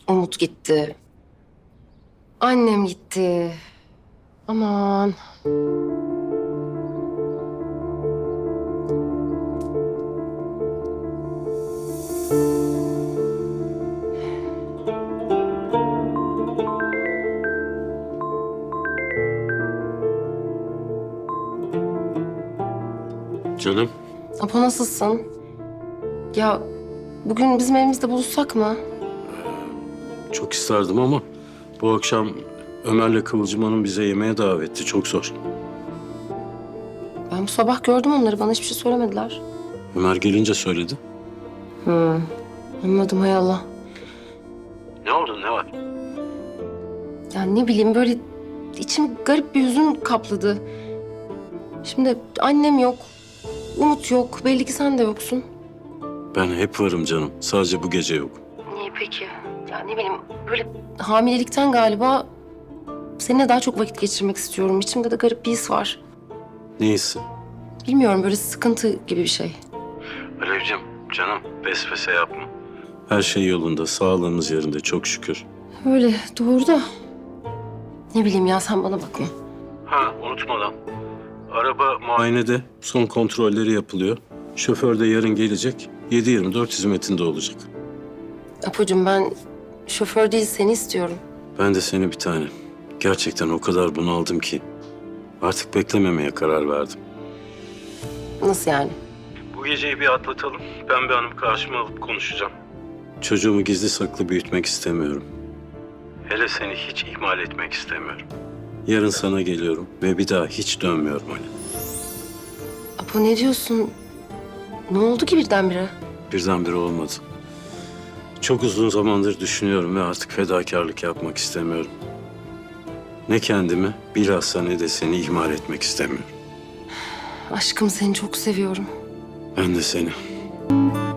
Umut gitti. Annem gitti. Aman. Canım, Apo nasılsın? Ya bugün bizim evimizde buluşsak mı? çok isterdim ama bu akşam Ömer'le Kıvılcım Hanım bize yemeğe davetti. Çok zor. Ben bu sabah gördüm onları. Bana hiçbir şey söylemediler. Ömer gelince söyledi. Anladım hay Allah. Ne oldu, ne var? Ya ne bileyim böyle içim garip bir hüzün kapladı. Şimdi annem yok. Umut yok. Belli ki sen de yoksun. Ben hep varım canım. Sadece bu gece yok. Niye peki? Ya ne bileyim böyle hamilelikten galiba seninle daha çok vakit geçirmek istiyorum. İçimde de garip bir his var. Ne hissi? Bilmiyorum böyle sıkıntı gibi bir şey. Alevcim, canım vesvese yapma. Her şey yolunda, sağlığımız yerinde çok şükür. Öyle doğru da ne bileyim ya sen bana bakma. Ha, unutmadan. Araba muayenede son kontrolleri yapılıyor. Şoför de yarın gelecek. 7/24 hizmetinde olacak. Apocuğum ben şoför değil seni istiyorum. Ben de seni bir tane. Gerçekten o kadar bunaldım ki artık beklememeye karar verdim. Nasıl yani? Bu geceyi bir atlatalım. Pembe Hanım karşıma alıp konuşacağım. Çocuğumu gizli saklı büyütmek istemiyorum. Hele seni hiç ihmal etmek istemiyorum. Yarın sana geliyorum ve bir daha hiç dönmüyorum Ali. Apo ne diyorsun? Ne oldu ki birdenbire? Birdenbire olmadı. Çok uzun zamandır düşünüyorum ve artık fedakarlık yapmak istemiyorum. Ne kendimi, bilhassa ne de seni ihmal etmek istemiyorum. Aşkım seni çok seviyorum. Ben de seni.